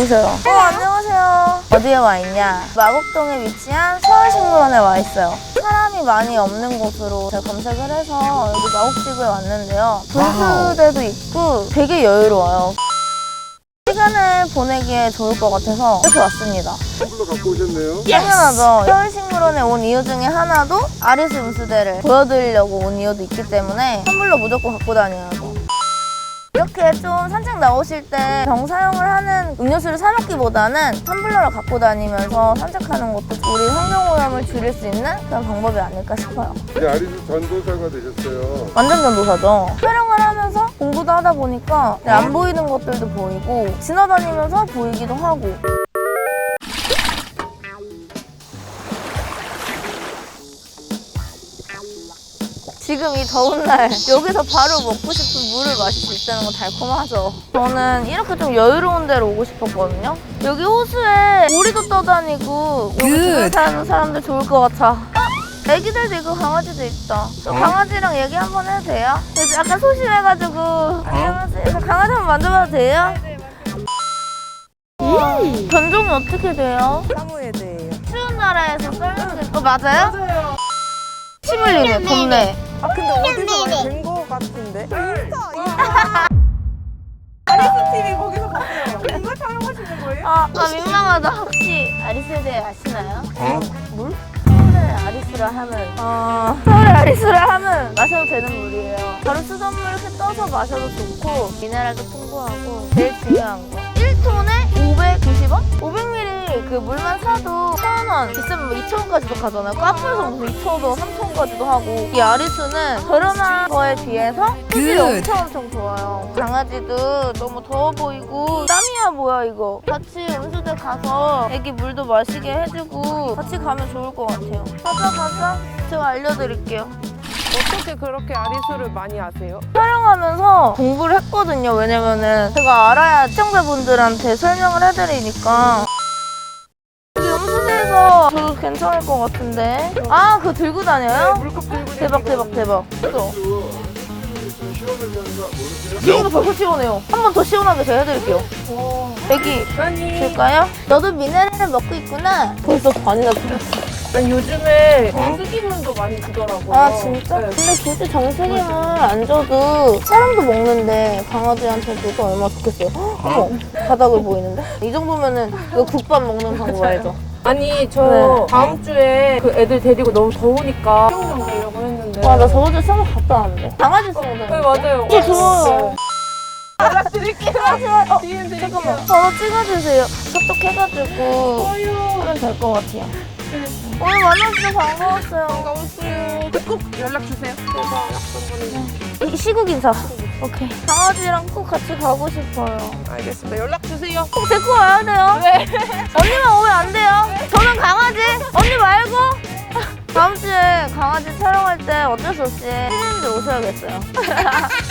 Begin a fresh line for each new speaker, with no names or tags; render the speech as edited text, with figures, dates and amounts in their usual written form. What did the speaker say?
오셔요. 안녕하세요. 어디에 와 있냐? 마곡동에 위치한 서울식물원에 와 있어요. 사람이 많이 없는 곳으로 제가 검색을 해서 여기 마곡지구에 왔는데요. 분수대도 있고 되게 여유로워요. 시간을 보내기에 좋을 것 같아서 이렇게 왔습니다.
텀블러 갖고 오셨네요.
당연하죠. 서울식물원에 온 이유 중에 하나도 아리스 분수대를 보여드리려고 온 이유도 있기 때문에 텀블러 무조건 갖고 다녀야죠. 이렇게 좀 산책 나오실 때 병사용을 하는 음료수를 사 먹기보다는 텀블러를 갖고 다니면서 산책하는 것도 우리 환경오염을 줄일 수 있는 그런 방법이 아닐까 싶어요.
이제 아리스 전도사가 되셨어요.
완전 전도사죠. 촬영을 하면서 공부도 하다 보니까 안 보이는 것들도 보이고 지나다니면서 보이기도 하고. 지금 이 더운 날 여기서 바로 먹고 싶은 물을 마실 수 있다는 건 달콤하죠. 저는 이렇게 좀 여유로운 데로 오고 싶었거든요. 여기 호수에 오리도 떠다니고 여기 주변 사는 사람들 좋을 것 같아. 애기들도 있고 강아지도 있다. 저 강아지랑 얘기 한번 해도 돼요? 그래서 약간 소심해가지고 안녕하세요. 저 강아지 한번 만져봐도 돼요? 견종이 어떻게 돼요?
사무예드예요.
추운 나라에서 썰는 게 맞아요?
맞아요.
침 흘리네 겁내.
아 근데 어디서 많이 뵌 거 같은데? 인스타. 아리스 TV 거기서 봤어요. 이거 촬영하시는 거예요?
민망하다. 혹시 아리스에 대해 아시나요? 물? 서울의 아리스라 하면 서울의 아리스라 하면 마셔도 되는 물이에요. 바로 수돗물 이렇게 떠서 마셔도 좋고 미네랄도 풍부하고 제일 중요한 거 1톤에 590원? 500ml 그 물만 사도 1,000원 비싸면 뭐 2,000원까지도 가잖아요. 카페에서 무슨 2,000원, 3,000원까지도 하고 이 아리스는 저렴한 거에 비해서 품질이 엄청 좋아요. 강아지도 너무 더워 보이고 땀이야 뭐야 이거. 같이 음수대 가서 애기 물도 마시게 해주고 같이 가면 좋을 것 같아요. 가자. 제가 알려드릴게요.
어떻게 그렇게 아리수를 많이 아세요?
촬영하면서 공부를 했거든요. 왜냐면은 제가 알아야 시청자분들한테 설명을 해드리니까. 여기 음수대에서 저도 괜찮을 것 같은데. 그거 들고 다녀요?
물컵 들고
대박. 그죠?
시원하게 모르세요?
지금도 벌써 시원해요. 한 번 더 시원하게 제가 해드릴게요. 애기 줄까요? 너도 미네랄을 먹고 있구나. 벌써 반이나 들었어.
난 요즘에 정수기물도 많이 주더라고요.
진짜?
네.
근데 굳이 정수기물 안 줘도 사람도 먹는데 강아지한테 줘도 얼마나 좋겠어요. 어머, 바닥을 보이는데? 이 정도면은 이거 국밥 먹는 방법 알죠?
아니 저
네.
다음 주에 그 애들 데리고 너무 더우니까 수영장 가려고 했는데.
나 저번주에 수영 갔다 왔는데. 강아지 수영장.
네 맞아요.
좋아요.
연락드릴게요.
잠깐만, 번호 찍어주세요. 카톡 해가지고 하면 될 것 같아요. 오늘 만나서 반가웠어요.
반가웠어요. 꼭 연락 주세요.
이 시국 인사. 오케이. 강아지랑 꼭 같이 가고 싶어요.
알겠습니다. 연락 주세요.
꼭 데리고 와야 돼요. 네. 언니만 오면 안 돼요. 저는 강아지. 언니 말고. 다음 주에 강아지 촬영할 때 어쩔 수 없이 피디님들 오셔야겠어요.